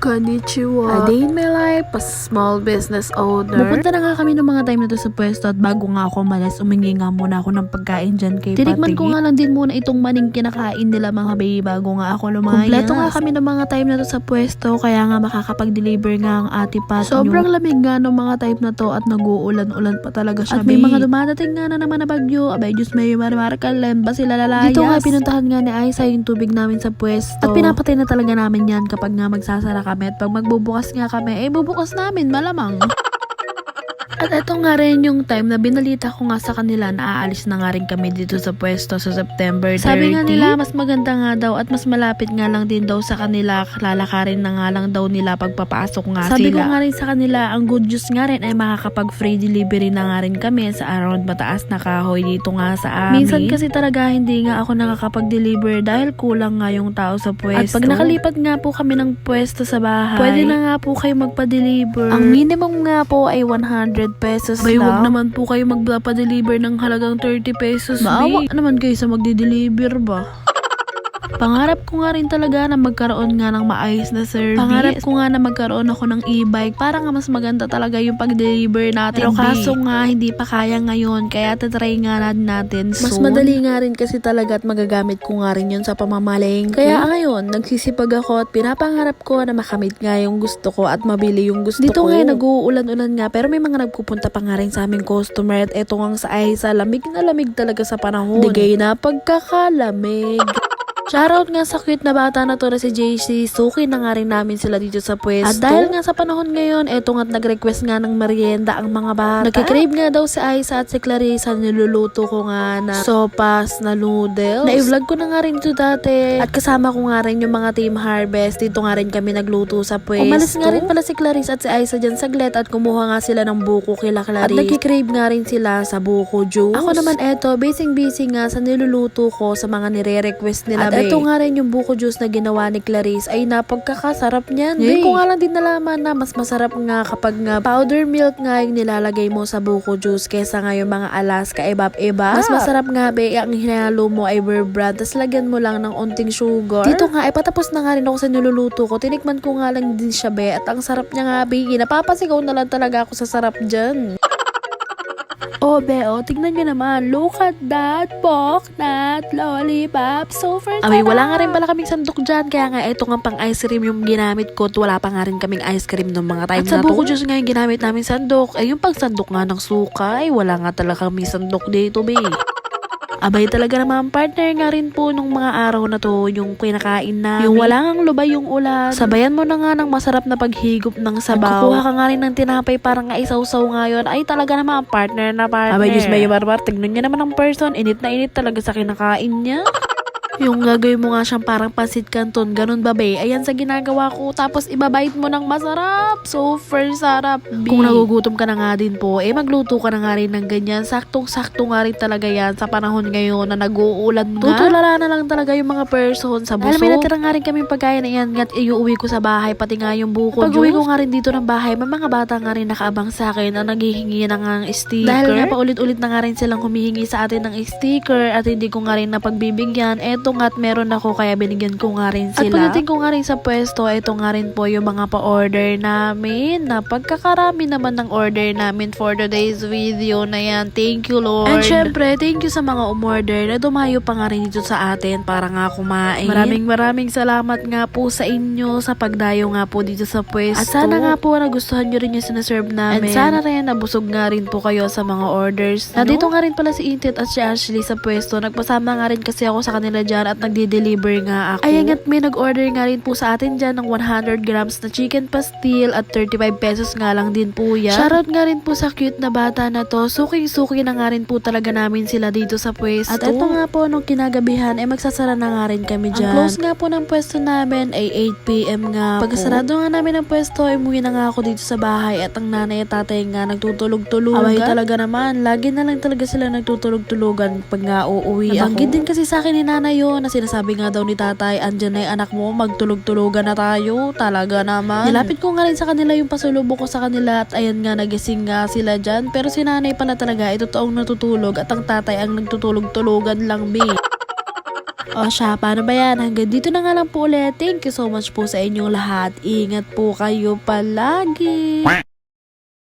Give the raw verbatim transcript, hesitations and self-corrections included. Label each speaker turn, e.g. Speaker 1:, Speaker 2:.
Speaker 1: Konnichiwa. A day in my life as small business owner.
Speaker 2: Napunta na nga kami ng mga time na to sa pwesto at bago nga ako malas, umingi nga muna ako ng pagkain dyan kay Pati. Tinikman ko nga lang din muna itong maning kinakain nila mga baby bago nga ako lumayas. Kompleto nga kami ng mga time na to sa pwesto kaya nga makakapag-deliver nga ang ate Pat. Sobrang lamig nga ng mga time na to at nag-uulan-ulan pa talaga siya. At may mga dumadating nga na naman na bagyo. Abay Diyos may marmarkalan ba sila lalayas? Dito nga pinuntahan nga ni Aiza yung tubig namin sa pwesto. At pinapatay na talaga namin yan kapag nga magsasara kami. At pag magbubukas nga kami, eh bubukas namin malamang. At ito nga rin yung time na binalita ko nga sa kanila na aalis na nga rin kami dito sa pwesto sa September thirty. Sabi nga nila mas maganda nga daw at mas malapit nga lang din daw sa kanila. Lalakarin na nga lang daw nila pagpapasok nga Sabi sila. Sabi ko nga rin sa kanila, ang good news nga rin ay makakapag free delivery na nga rin kami sa around mataas na kahoy dito nga sa amin. Minsan kasi talaga hindi nga ako nakakapag-deliver dahil kulang nga yung tao sa pwesto. At pag nakalipat nga po kami ng pwesto sa bahay, pwede na nga po kayo magpa-deliver. Ang minimum nga po ay one hundred pesos Bay, lang. Huwag naman po kayo magpa-deliver ng halagang thirty pesos. Maawa naman kayo sa magde-deliver ba? Pangarap ko nga rin talaga na magkaroon nga ng maayos na service. Pangarap ko nga na magkaroon ako ng e-bike para nga mas maganda talaga yung pag-deliver natin. Pero kaso nga hindi pa kaya ngayon kaya tatry nga natin soon. Mas madali nga rin kasi talaga at magagamit ko nga rin yun sa pamamalengke. Kaya ngayon nagsisipag ako at pinapangarap ko na makamit nga yung gusto ko at mabili yung gusto Dito ko. Dito nga nag-uulan-ulan nga pero may mga nagpupunta pa nga rin sa aming customer at eto nga sa Aiza, lamig na lamig talaga sa panahon. Digay na pagkakalamig. Shoutout nga sa cute na bata na to na si J C. Suki na nga rin namin sila dito sa pwesto. At dahil nga sa panahon ngayon, eto nga't nag-request nga ng merienda ang mga bata. Nagkikrave nga daw si Aiza at si Clarissa. Niluluto ko nga na sopas na noodles. Na-vlog ko na nga rin ito dati. At kasama ko nga rin yung mga Team Harvest. Dito nga rin kami nagluto sa pwesto. Umalis nga rin pala si Clarissa at si Aiza dyan saglit at kumuha nga sila ng buko kila Clarissa. At nagkikrave nga rin sila sa buko juice. Ako naman eto, busy-busy nga sa niluluto ko sa mga nire-request nila. At ito nga rin yung buko juice na ginawa ni Clarice ay napagkakasarap niyan. Ngayon ko nga lang din nalaman na mas masarap nga kapag nga powder milk nga yung nilalagay mo sa buko juice kesa nga yung mga Alaska ebap-eba. Mas masarap nga be ang hinalo mo ay bear brand tas lagyan mo lang ng onting sugar. Dito nga ay patapos na nga rin ako sa niluluto ko. Tinikman ko nga lang din siya be at ang sarap niya nga be. Napapasigaw na lang talaga ako sa sarap dyan. Oh, Beo, tignan nyo naman. Look at that pork nut lollipop. So first Abay, wala nga rin pala kaming sandok dyan. Kaya nga, ito nga pang ice cream yung ginamit ko. At wala pa nga rin kaming ice cream ng mga time at na to. At sa buko juice nga yung ginamit namin sandok. Eh, yung pag sandok nga ng suka, ay wala nga talaga kaming sandok dito, be. Abay talaga naman partner nga rin po nung mga araw na to yung kinakain na yung wala ngang lubay yung ulan. Sabayan mo na nga ng masarap na paghigop ng sabaw. Kukuha ka nga rin ng tinapay parang nga isaw-saw ngayon. Ay talaga naman partner na partner. Abay Diyos may barbar. Tignan niya naman ng person. Init na init talaga sa kinakain niya. Yung gagawin mo nga siyang parang pasit canton, ganun ba be? Ayan sa ginagawa ko, tapos ibabait mo ng masarap. Super sarap, be. Kung nagugutom ka na nga din po, eh magluto ka na nga rin ng ganyan. Saktong-sakto nga rin talaga yan sa panahon ngayon na nag-uulan nga. Tutulala na lang talaga yung mga person sa busog. Alam mo, natira nga rin kami pagkain na yan at iuwi ko sa bahay, pati nga yung buko juice. Pag uwi ko nga rin dito ng bahay, may mga bata nga rin nakaabang sa akin na naghihingi na nga ng sticker. Dahil nga paulit-ulit na nga rin silang humihingi sa atin ng sticker at hindi ko nga rin napagbibigyan. Eto nga at meron ako kaya binigyan ko nga rin sila. At pagdating ko nga rin sa pwesto, ito nga rin po yung mga pa-order namin. Napagkakarami naman ng order namin for today's video na yan. Thank you, Lord. And syempre, thank you sa mga umorder na dumayo pa nga rin dito sa atin para nga kumain. Maraming maraming salamat nga po sa inyo sa pagdayo nga po dito sa pwesto. At sana nga po nagustuhan nyo rin yung sinaserve namin. And sana rin nabusog nga rin po kayo sa mga orders. No? Nandito nga rin pala si Intit at si Ashley sa pwesto. Nagpasama nga rin kasi ako sa kanila dyan at nagde-deliver nga ako. Ayan at may nag-order nga rin po sa atin dyan ng one hundred grams na chicken pastil at thirty-five pesos nga lang din po yan. Shoutout nga rin po sa cute na bata na to. Suking-suki na nga rin po talaga namin sila dito sa pwesto. At ito nga po nung kinagabihan ay eh, magsasara na nga rin kami dyan. Ang close nga po ng pwesto namin ay eight p m nga po. Pagkasarado nga namin ng pwesto ay umuwi na nga ako dito sa bahay at ang nanay at tatay nga nagtutulog-tulugan. Away talaga naman. Lagi na lang talaga sila nagtutulog-tulugan pag nga uuwi ako. Nabanggit din kasi sa akin ni nanay yun na sinasabi nga daw ni tatay, andyan na yung anak mo, magtulog-tulugan na tayo. Talaga naman. Nilapit ko nga rin sa kanila yung pasulubong ko sa kanila at ayan nga, nagising nga sila dyan. Pero si nanay pala talaga, ito toong natutulog at ang tatay ang nagtutulog-tulugan lang, be. O siya, paano ba yan? Hanggang dito na nga lang po ulit. Thank you so much po sa inyong lahat. Ingat po kayo palagi.